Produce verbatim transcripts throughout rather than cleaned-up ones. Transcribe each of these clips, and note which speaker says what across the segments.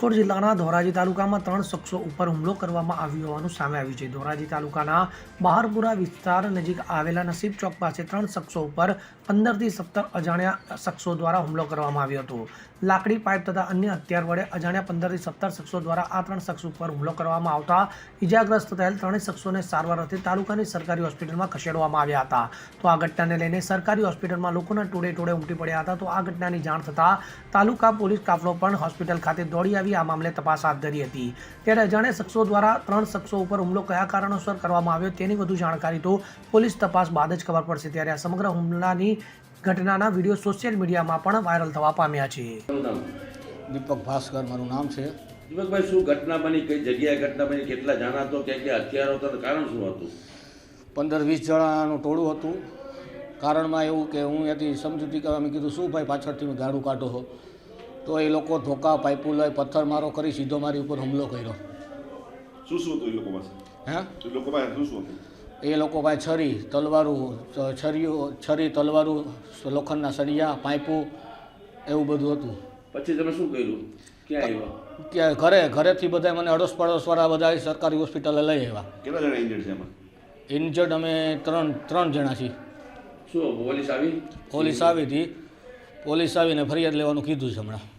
Speaker 1: રાજકોટ જિલ્લાના ધોરાજી તાલુકામાં ત્રણ શખ્સો ઉપર હુમલો કરવામાં આવ્યો હોવાનું સામે આવ્યું છે। ધોરાજી તાલુકાના બહારપુરા વિસ્તાર નજીક આવેલા નસીબ ચોક પાસે ત્રણ શખ્સો ઉપર પંદરથી સત્તર અજાણ્યા શખ્સો દ્વારા હુમલો કરવામાં આવ્યો હતો। લાકડી પાઇપ તથા અન્ય હથિયાર વડે અજાણ્યા પંદરથી સત્તર શખ્સો દ્વારા આ ત્રણ શખ્સ ઉપર હુમલો કરવામાં આવતા ઇજાગ્રસ્ત થયેલ ત્રણેય શખ્સોને સારવાર અર્થે તાલુકાની સરકારી હોસ્પિટલમાં ખસેડવામાં આવ્યા હતા। તો આ ઘટનાને લઈને સરકારી હોસ્પિટલમાં લોકોના ટોળે ટોળે ઉમટી પડ્યા હતા। તો આ ઘટનાની જાણ થતાં તાલુકા પોલીસ કાફલો પણ હોસ્પિટલ ખાતે દોડી આવી આ મામલે તપાસ હાથ ધરી હતી। ત્યારે અજાણ્યા શખ્સો દ્વારા ત્રણ શખ્સો ઉપર હુમલો કયા કારણોસર કરવામાં આવ્યો તેની વધુ જાણકારી તો પોલીસ તપાસ બાદ જ ખબર પડશે। ત્યારે આ સમગ્ર હુમલાની ઘટનાના વિડીયો સોશિયલ મીડિયામાં પણ વાયરલ થવા પામ્યા છે।
Speaker 2: દીપક ભાસ્કર મારું નામ છે।
Speaker 3: દીપકભાઈ, શું ઘટના બની, કઈ જગ્યાએ ઘટના બની, કેટલા જણા હતો, ક્યાં ક્યાં હથિયારો હતા, કારણ શું હતું?
Speaker 2: પંદર વીસ જણાનું ટોળું હતું। કારણમાં એવું કે હું ત્યાંથી સમજૂતી કરવા મેં કીધું શું ભાઈ પાછળથી ગાડું કાઢો છો, તો એ લોકો ધોકા પાઇપો લઈ પથ્થર મારો કરી સીધો મારી ઉપર હુમલો કર્યો।
Speaker 4: શું શું હતું એ લોકો પાસે?
Speaker 2: હે
Speaker 4: એ લોકો પાસે શું શું હતું?
Speaker 2: એ લોકો પાસે છરી તલવારું છરીઓ છરી તલવારું લોખંડના સળિયા પાઇપો એવું બધું હતું।
Speaker 3: પછી તમે શું કર્યું, ક્યાં આવ્યા?
Speaker 2: કે ઘરે ઘરેથી બધા મને અડોશ પડોશવાળા બધા સરકારી હોસ્પિટલે લઈ આવ્યા।
Speaker 4: કેટલા જણા ઇન્જર્ડ છે એમાં?
Speaker 2: ઇન્જર્ડ અમે ત્રણ ત્રણ જણા છીએ।
Speaker 3: શું પોલીસ આવી?
Speaker 2: પોલીસ આવી હતી, પોલીસ આવીને ફરિયાદ લેવાનું કીધું છે હમણાં।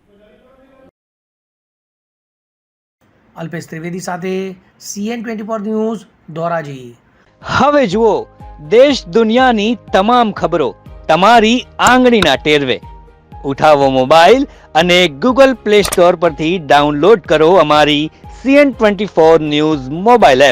Speaker 1: અલ્પેશ ત્રિવેદી સાથે CN twenty four news Dhoraji.
Speaker 5: હવે જુઓ દેશ દુનિયાની તમામ ખબરો તમારી આંગળીના ટેરવે। ઉઠાવો મોબાઈલ અને ગૂગલ પ્લે સ્ટોર પરથી ડાઉનલોડ કરો અમારી CN twenty four news mobile app.